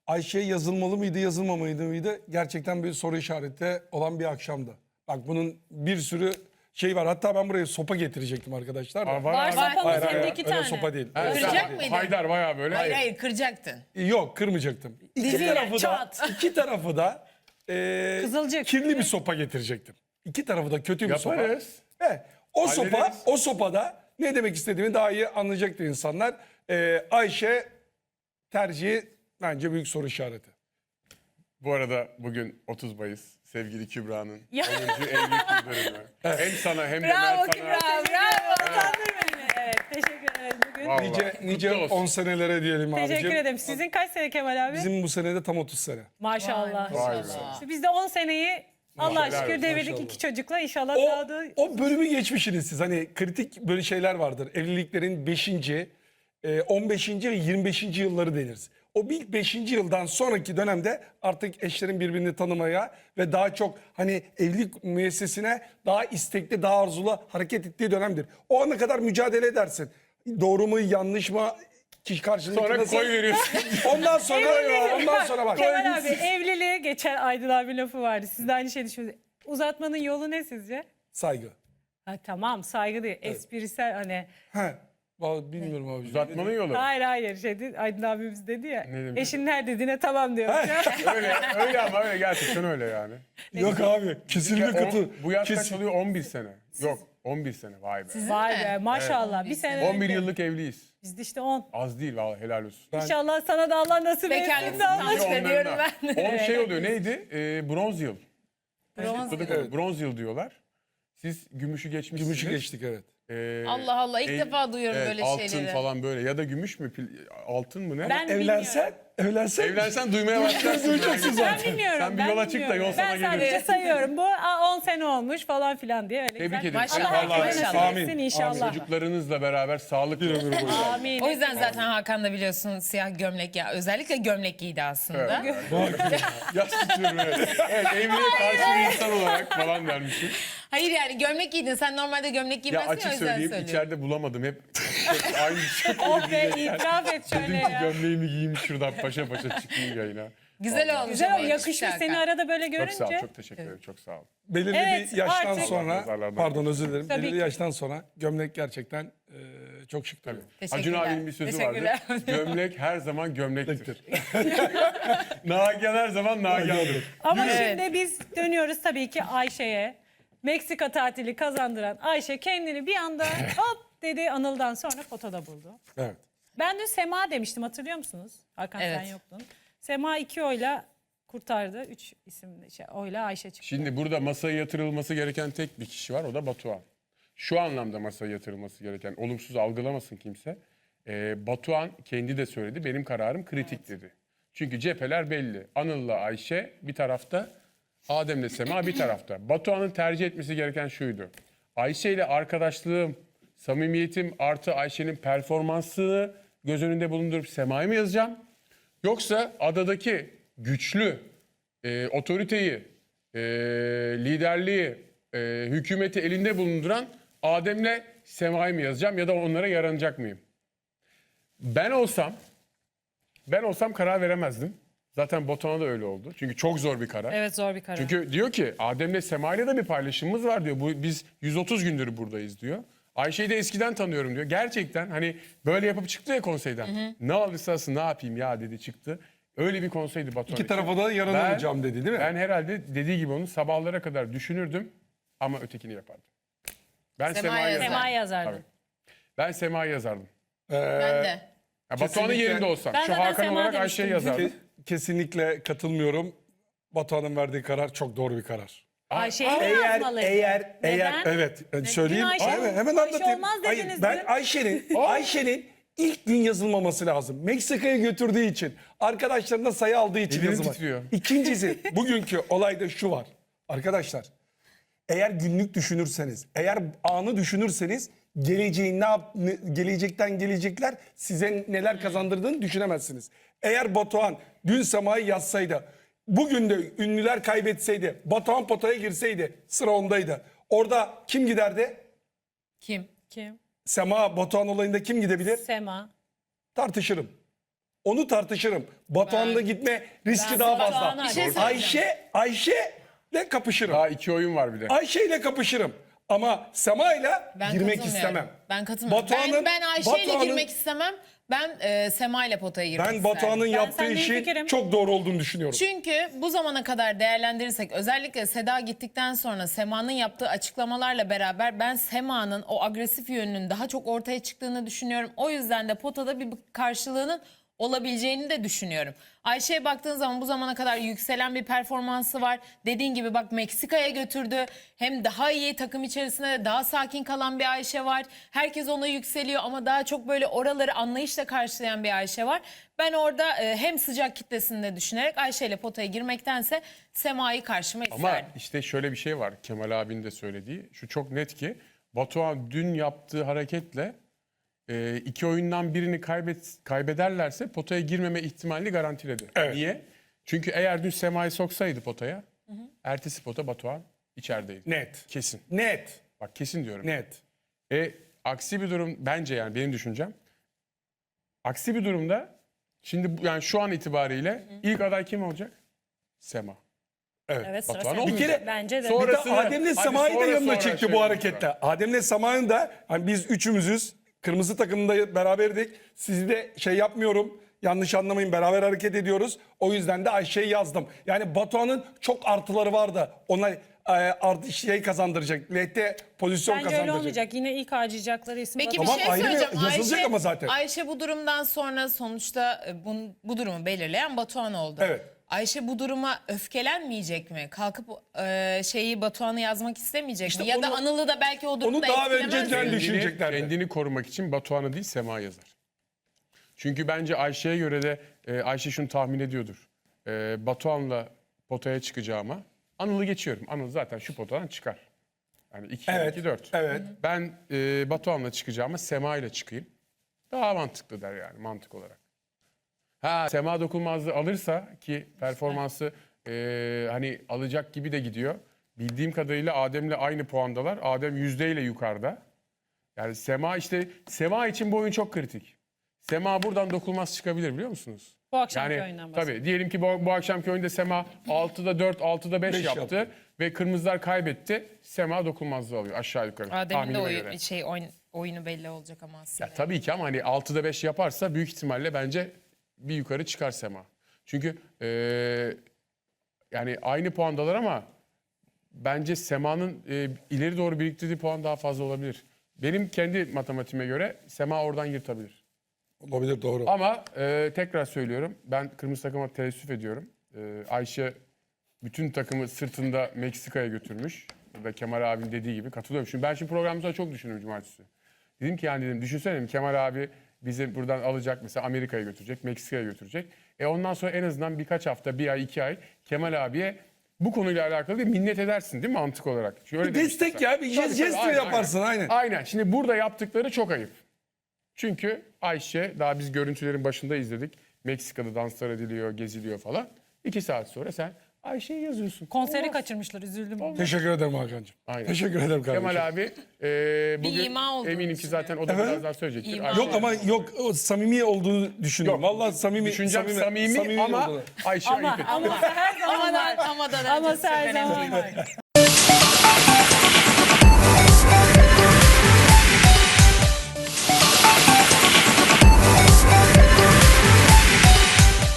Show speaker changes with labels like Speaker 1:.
Speaker 1: Ayşe yazılmalı mıydı, yazılmamalıydı mıydı? Gerçekten bir soru işareti olan bir akşamdı. Bak bunun bir sürü şey var. Hatta ben buraya sopa getirecektim arkadaşlar. da.
Speaker 2: Var
Speaker 3: Var
Speaker 2: abi.
Speaker 3: sopamız
Speaker 1: Hayır,
Speaker 3: hem de
Speaker 1: hayır,
Speaker 3: 2
Speaker 1: öyle
Speaker 3: tane.
Speaker 1: sopa değil.
Speaker 2: Evet,
Speaker 1: Öyle
Speaker 3: Kıracak
Speaker 1: sopa değil.
Speaker 3: mıydın?
Speaker 2: Haydar bayağı böyle.
Speaker 3: Hayır kıracaktın.
Speaker 1: Yok, kırmayacaktım. İki
Speaker 3: Diziyle,
Speaker 1: tarafı da,
Speaker 3: çat.
Speaker 1: iki tarafı da
Speaker 3: Kızılcık.
Speaker 1: kirli bir sopa getirecektim. İki tarafı da kötü bir sopa.
Speaker 2: Yaparız.
Speaker 1: Evet.
Speaker 2: Hallederiz.
Speaker 1: O sopada ne demek istediğimi daha iyi anlayacaktır insanlar. Ayşe tercihi bence büyük soru işareti.
Speaker 2: Bu arada bugün 30 Mayıs. Sevgili Kübra'nın
Speaker 3: Ya.
Speaker 2: 10. evlilik yıl dönümü. Hem sana hem de
Speaker 3: Bravo
Speaker 2: Mert
Speaker 3: Kübra,
Speaker 2: sana.
Speaker 3: bravo. Utandın beni. Evet, teşekkür ederiz bugün.
Speaker 2: Vallahi.
Speaker 1: Nice
Speaker 2: Kutlu olsun.
Speaker 1: 10 senelere diyelim abicim.
Speaker 3: Teşekkür ederim. Sizin kaç sene Kemal abi?
Speaker 1: Bizim bu senede tam 30 sene.
Speaker 3: Maşallah.
Speaker 2: Vay be.
Speaker 3: İşte biz de 10 seneyi Allah
Speaker 2: Maşallah,
Speaker 3: şükür devirdik
Speaker 1: maşallah.
Speaker 3: 2 çocukla. İnşallah
Speaker 1: O,
Speaker 3: daha da...
Speaker 1: o bölümü geçmişsiniz siz. Hani kritik böyle şeyler vardır. Evliliklerin 5. 15. ve 25. yılları deniriz. O ilk 5. yıldan sonraki dönemde artık eşlerin birbirini tanımaya ve daha çok hani evlilik müessesine daha istekli, daha arzulu hareket ettiği dönemdir. O ana kadar mücadele edersin. Doğru mu, yanlış mı? Kişi karşındaki
Speaker 2: Sonra
Speaker 1: nasıl?
Speaker 2: koy veriyorsun.
Speaker 1: Ondan sonra bak.
Speaker 3: Kemal abi evliliğe geçen Aydın abi lafı vardı. Siz de aynı şeyi düşünüyorsunuz. Uzatmanın yolu ne sizce?
Speaker 1: Saygı.
Speaker 3: Ha, tamam saygı değil. Esprisel hani.
Speaker 1: He. Bilmiyorum abi.
Speaker 2: Uzatmanın yolu.
Speaker 3: Hayır Aydın abimiz dedi ya.
Speaker 2: Ne demiş?
Speaker 3: Eşin her dediğine tamam diyor.
Speaker 2: Öyle ama öyle gerçekten öyle yani.
Speaker 1: Yok abi. Kesinlikle katıl.
Speaker 2: Bu yaş kaç
Speaker 1: Kesin-
Speaker 2: oluyor? 11 sene. Yok 11 sene vay be.
Speaker 3: Vay be maşallah. Bir sene
Speaker 2: 11
Speaker 3: önce.
Speaker 2: yıllık evliyiz.
Speaker 3: Biz de işte 10.
Speaker 2: Az değil vallahi helal olsun.
Speaker 3: İnşallah sana da Allah nasip
Speaker 4: Bekarlık
Speaker 3: etsin. de Allah.
Speaker 4: sınavı.
Speaker 2: Onların
Speaker 4: diyorum
Speaker 2: da.
Speaker 4: ben.
Speaker 2: Onun şey oluyor neydi? Bronz yıl.
Speaker 4: Bronz
Speaker 2: Kutladık onu. Bronz yıl diyorlar. Siz gümüşü geçmişsiniz.
Speaker 1: Gümüşü geçtik evet.
Speaker 4: Allah Allah, ilk defa duyuyorum
Speaker 2: evet,
Speaker 4: böyle
Speaker 2: altın
Speaker 4: şeyleri.
Speaker 2: falan böyle ya da gümüş mü altın mı ne?
Speaker 3: Ben
Speaker 1: Evlensen
Speaker 2: Evlensen duymaya başlarsın.
Speaker 1: duyacaksın
Speaker 3: Ben
Speaker 1: zaten.
Speaker 3: bilmiyorum.
Speaker 2: Sen bir
Speaker 3: ben
Speaker 2: yola çık da
Speaker 3: bilmiyorum.
Speaker 2: yol sana
Speaker 3: Ben
Speaker 2: gelir.
Speaker 3: sadece sayıyorum. Bu 10 sene olmuş falan filan diye. Öyle
Speaker 2: Tebrik
Speaker 3: güzel.
Speaker 2: ederim.
Speaker 4: Maşallah,
Speaker 3: Allah
Speaker 2: Vallahi
Speaker 3: herkese
Speaker 4: maşallah.
Speaker 3: nasip etsin inşallah.
Speaker 2: Çocuklarınızla beraber sağlıklı ömür boyu.
Speaker 3: Amin.
Speaker 4: O yüzden zaten Hakan da biliyorsun siyah gömlek ya. Özellikle gömlek giydi aslında.
Speaker 2: Yas tutuyorum evet. Evet evliliğe karşı bir insan olarak falan dermişim.
Speaker 4: Hayır yani gömlek giydin. Sen normalde gömlek
Speaker 2: Ya
Speaker 4: giymezsin ya,
Speaker 2: açık
Speaker 4: o yüzden
Speaker 2: söyleyeyim
Speaker 4: söylüyorum.
Speaker 2: içeride bulamadım hep aynı şey.
Speaker 3: Oh be itiraf et şöyle
Speaker 2: Dedim ki
Speaker 3: ya.
Speaker 2: gömleğimi giyeyim şuradan paşa paşa çıkayım yayına.
Speaker 4: Güzel olmuş.
Speaker 3: Güzel
Speaker 4: ama
Speaker 3: o yakışmış
Speaker 4: Hakan.
Speaker 3: seni arada böyle
Speaker 2: Çok
Speaker 3: görünce.
Speaker 2: sağ ol, çok teşekkür ederim, çok sağ ol.
Speaker 1: Belirli
Speaker 3: Evet,
Speaker 1: bir yaştan
Speaker 3: artık-
Speaker 1: sonra,
Speaker 2: Nazarlardan.
Speaker 1: pardon özür dilerim.
Speaker 3: Tabii
Speaker 1: Belirli
Speaker 3: ki.
Speaker 1: yaştan sonra gömlek gerçekten çok şık duruyor.
Speaker 2: Acun
Speaker 4: Teşekkürler.
Speaker 2: abinin bir sözü
Speaker 4: Teşekkürler.
Speaker 2: vardı. Gömlek her zaman gömlektir. Nagihan her zaman Nagihan'dır.
Speaker 3: Ama
Speaker 4: Evet.
Speaker 3: şimdi biz dönüyoruz tabii ki Ayşe'ye. Meksika tatili kazandıran Ayşe kendini bir anda hop dedi Anıl'dan sonra fotoda buldu.
Speaker 1: Evet.
Speaker 3: Ben dün Sema demiştim hatırlıyor musunuz? Hakan sen
Speaker 4: Evet.
Speaker 3: yoktun. Sema 2 oyla kurtardı. 3 isimli oyla Ayşe çıktı.
Speaker 2: Şimdi burada masaya yatırılması gereken tek bir kişi var, o da Batuhan. Şu anlamda masaya yatırılması gereken, olumsuz algılamasın kimse. Batuhan kendi de söyledi, benim kararım kritik dedi. Çünkü cepheler belli. Anıl'la Ayşe bir tarafta, Adem'le Sema bir tarafta. Batuhan'ın tercih etmesi gereken şuydu. Ayşe ile arkadaşlığım, samimiyetim artı Ayşe'nin performansını göz önünde bulundurup Sema'yı mı yazacağım? Yoksa adadaki güçlü otoriteyi, liderliği, hükümeti elinde bulunduran Adem'le Sema'yı mı yazacağım ya da onlara yaranacak mıyım? Ben olsam karar veremezdim. Zaten Batuhan'a da öyle oldu. Çünkü çok zor bir karar.
Speaker 3: Evet zor bir karar.
Speaker 2: Çünkü diyor ki Adem'le Sema'yla da bir paylaşımımız var diyor. Biz 130 gündür buradayız diyor. Ayşe'yi de eskiden tanıyorum diyor. Gerçekten hani böyle yapıp çıktı ya konseyden. Ne alırsa alsın ne yapayım ya dedi çıktı. Öyle bir konseydi Batuhan
Speaker 1: İki
Speaker 2: için.
Speaker 1: tarafa da yaranılacağım dedi değil mi?
Speaker 2: Ben herhalde dediği gibi onu sabahlara kadar düşünürdüm ama ötekini yapardım. Ben
Speaker 4: Sema'yı
Speaker 2: Sema'yı
Speaker 4: yazardım.
Speaker 3: Sema
Speaker 2: yazardım.
Speaker 3: yazardı.
Speaker 2: Tabii. Ben Sema'yı yazardım.
Speaker 4: Ben de.
Speaker 2: Ya Batuhan'ın
Speaker 1: Kesinlikle.
Speaker 2: yerinde olsam.
Speaker 3: Ben
Speaker 2: Şu
Speaker 3: zaten
Speaker 2: Hakan
Speaker 3: Sema
Speaker 2: olarak
Speaker 3: demiştim.
Speaker 2: Ayşe'yi yazardım.
Speaker 1: Kesinlikle katılmıyorum. Batuhan'ın verdiği karar çok doğru bir karar.
Speaker 3: Ayşe'yi mi yazmalıydı? Neden?
Speaker 1: Evet söyleyeyim.
Speaker 3: Ayşe-
Speaker 1: Hemen
Speaker 3: Ayşe
Speaker 1: anlatayım.
Speaker 3: olmaz
Speaker 1: Hayır,
Speaker 3: dediniz
Speaker 1: ben
Speaker 3: dün.
Speaker 1: Ayşe'nin ilk gün yazılmaması lazım. Meksika'ya götürdüğü için, arkadaşlarına sayı aldığı için
Speaker 2: Ellerim
Speaker 1: yazılmadı.
Speaker 2: titriyor.
Speaker 1: İkincisi bugünkü olayda şu var. Arkadaşlar eğer günlük düşünürseniz, eğer anı düşünürseniz gelecekten gelecekler size neler kazandırdığını düşünemezsiniz. Eğer Batuhan dün Sema'yı yazsaydı, bugün de ünlüler kaybetseydi, Batuhan potaya girseydi, sıra ondaydı. Orada kim giderdi?
Speaker 4: Kim?
Speaker 3: Kim?
Speaker 1: Sema Batuhan olayında kim gidebilir?
Speaker 3: Sema.
Speaker 1: Tartışırım. Onu tartışırım. Batuhan'la gitme riski daha fazla.
Speaker 3: Batuhan'a- Bir şey
Speaker 4: söyleyeceğim.
Speaker 1: Ayşe'yle kapışırım.
Speaker 2: Daha 2 oyun var bir de.
Speaker 1: Ayşe'yle kapışırım. Ama Sema'yla
Speaker 4: Ben
Speaker 1: girmek
Speaker 4: katılmıyorum.
Speaker 1: istemem.
Speaker 4: Ben katılmıyorum.
Speaker 1: Batuhan'ın-
Speaker 4: Ben Ayşe ile
Speaker 1: Batuhan'ın-
Speaker 4: girmek istemem. Ben Sema ile potaya girmek
Speaker 1: Ben
Speaker 4: isterim.
Speaker 1: Batuhan'ın yaptığı
Speaker 3: seninle
Speaker 1: işin
Speaker 3: hemfikirim.
Speaker 1: çok doğru olduğunu düşünüyorum.
Speaker 4: Çünkü bu zamana kadar değerlendirirsek özellikle Seda gittikten sonra Sema'nın yaptığı açıklamalarla beraber ben Sema'nın o agresif yönünün daha çok ortaya çıktığını düşünüyorum. O yüzden de potada bir karşılığının olabileceğini de düşünüyorum. Ayşe'ye baktığın zaman bu zamana kadar yükselen bir performansı var. Dediğin gibi bak Meksika'ya götürdü. Hem daha iyi takım içerisinde de daha sakin kalan bir Ayşe var. Herkes ona yükseliyor ama daha çok böyle oraları anlayışla karşılayan bir Ayşe var. Ben orada hem sıcak kitlesini de düşünerek Ayşe ile potaya girmektense Sema'yı karşıma
Speaker 2: Ama
Speaker 4: isterdim.
Speaker 2: işte şöyle bir şey var. Kemal abinin de söylediği. Şu çok net ki Batuhan dün yaptığı hareketle 2 oyundan birini kaybederlerse potaya girmeme ihtimalini garantiledi.
Speaker 1: Evet.
Speaker 2: Niye? Çünkü eğer dün Sema'yı soksaydı potaya, ertesi pota Batuhan içerideydi.
Speaker 1: Net.
Speaker 2: Kesin.
Speaker 1: Net.
Speaker 2: Bak kesin diyorum.
Speaker 1: Net.
Speaker 2: Aksi bir durum bence, yani benim düşüncem. Aksi bir durumda şimdi yani şu an itibariyle ilk aday kim olacak? Sema.
Speaker 3: Evet, sıra
Speaker 2: Batuhan
Speaker 3: sende.
Speaker 2: olmayacak.
Speaker 1: Bir kere
Speaker 3: Bence de.
Speaker 1: Bir de
Speaker 2: Sonrasını-
Speaker 1: Adem'le
Speaker 2: hadi
Speaker 1: Sema'yı da
Speaker 2: sonra
Speaker 1: yanına çekti
Speaker 2: şey
Speaker 1: bu
Speaker 2: yapalım.
Speaker 1: harekette. Adem'le Sema'nın da hani biz üçümüzüz. Kırmızı takımda beraberdik. Sizi de şey yapmıyorum. Yanlış anlamayın, beraber hareket ediyoruz. O yüzden de Ayşe'yi yazdım. Yani Batuhan'ın çok artıları vardı. Ona artı şey kazandıracak. LT pozisyon
Speaker 3: Bence öyle
Speaker 1: kazandıracak.
Speaker 3: olmayacak. Yine ilk harcayacakları isim
Speaker 4: Peki
Speaker 3: Batuhan.
Speaker 1: Tamam,
Speaker 4: bir şey
Speaker 1: ayrı
Speaker 4: söyleyeceğim.
Speaker 1: yazılacak ama zaten.
Speaker 4: Ayşe bu durumdan sonra sonuçta bu durumu belirleyen Batuhan oldu.
Speaker 1: Evet.
Speaker 4: Ayşe bu duruma öfkelenmeyecek mi? Kalkıp şeyi Batuhan'ı yazmak istemeyecek
Speaker 1: İşte
Speaker 4: mi? Ya da
Speaker 1: onu-
Speaker 4: Anıl'ı da belki o durumda
Speaker 1: daha
Speaker 4: etkilemez
Speaker 1: önceden
Speaker 4: mi?
Speaker 1: düşüneceklerdi.
Speaker 2: Kendini korumak için Batuhan'ı değil Sema yazar. Çünkü bence Ayşe'ye göre de Ayşe şunu tahmin ediyordur. Batuhan'la potaya çıkacağıma Anıl'ı geçiyorum. Anıl zaten şu potadan çıkar. Yani 2
Speaker 1: Evet.
Speaker 2: 2 4.
Speaker 1: Evet.
Speaker 2: Ben Batuhan'la çıkacağıma Sema ile çıkayım. Daha mantıklı der yani mantık olarak. Ha Sema dokunmazlığı alırsa ki performansı hani alacak gibi de gidiyor. Bildiğim kadarıyla Adem'le aynı puandalar. Adem yüzdeyle yukarıda. Yani Sema için bu oyun çok kritik. Sema buradan dokunmaz çıkabilir biliyor musunuz?
Speaker 3: Bu akşamki
Speaker 2: Yani
Speaker 3: oyundan bahsediyorum.
Speaker 2: tabii diyelim ki bu akşamki oyunda Sema 6'da 4, 6'da 5
Speaker 1: Beş
Speaker 2: yaptı.
Speaker 1: yaptı.
Speaker 2: Ve kırmızılar kaybetti. Sema dokunmazlığı alıyor aşağı yukarı.
Speaker 4: Adem'in de
Speaker 2: tahminime göre.
Speaker 4: oyunu belli olacak ama aslında.
Speaker 2: Ya tabii ki ama hani 6'da 5 yaparsa büyük ihtimalle bence bir yukarı çıkar Sema. Çünkü yani aynı puandalar ama bence Sema'nın ileri doğru biriktirdiği puan daha fazla olabilir. Benim kendi matematiğime göre Sema oradan yırtabilir.
Speaker 1: Olabilir, doğru.
Speaker 2: Ama tekrar söylüyorum, ben kırmızı takıma teessüf ediyorum. Ayşe bütün takımı sırtında Meksika'ya götürmüş. Burada Kemal abinin dediği gibi katılıyorum. Şimdi ben programımızda çok düşündüm cumartesi. Dedim ki yani dedim düşünsene dedim, Kemal abi bizi buradan alacak mesela Amerika'ya götürecek, Meksika'ya götürecek. Ondan sonra en azından birkaç hafta, bir ay, 2 ay Kemal abiye bu konuyla alakalı bir minnet edersin değil mi mantık olarak? Şöyle
Speaker 1: Destek
Speaker 2: demiştim
Speaker 1: ya,
Speaker 2: sana.
Speaker 1: bir
Speaker 2: Tabii, tabii,
Speaker 1: jest
Speaker 2: aynen,
Speaker 1: yaparsın, aynen.
Speaker 2: Aynen. Şimdi burada yaptıkları çok ayıp. Çünkü Ayşe, daha biz görüntülerin başında izledik. Meksika'da danslar ediliyor, geziliyor falan. 2 saat sonra sen Ayşe'yi yazıyorsun.
Speaker 3: Konseri
Speaker 2: Olmaz.
Speaker 3: kaçırmışlar, üzüldüm.
Speaker 1: Teşekkür ederim Hakan'cığım.
Speaker 2: Aynen.
Speaker 1: Teşekkür ederim kardeşim.
Speaker 2: Kemal abi bugün
Speaker 4: ima olduğunu
Speaker 2: eminim ki zaten o da
Speaker 1: Efendim?
Speaker 2: biraz daha söyleyecektir.
Speaker 4: İma.
Speaker 2: Ayşe-
Speaker 1: Yok ama yok, o samimi olduğunu düşünüyorum.
Speaker 2: Yok.
Speaker 1: Vallahi
Speaker 2: Düşüncem samimi ama
Speaker 1: olduğunu.
Speaker 2: Ayşe ayıp etti.
Speaker 3: Ama her zaman var.
Speaker 4: Ama da
Speaker 3: Ama her zaman var.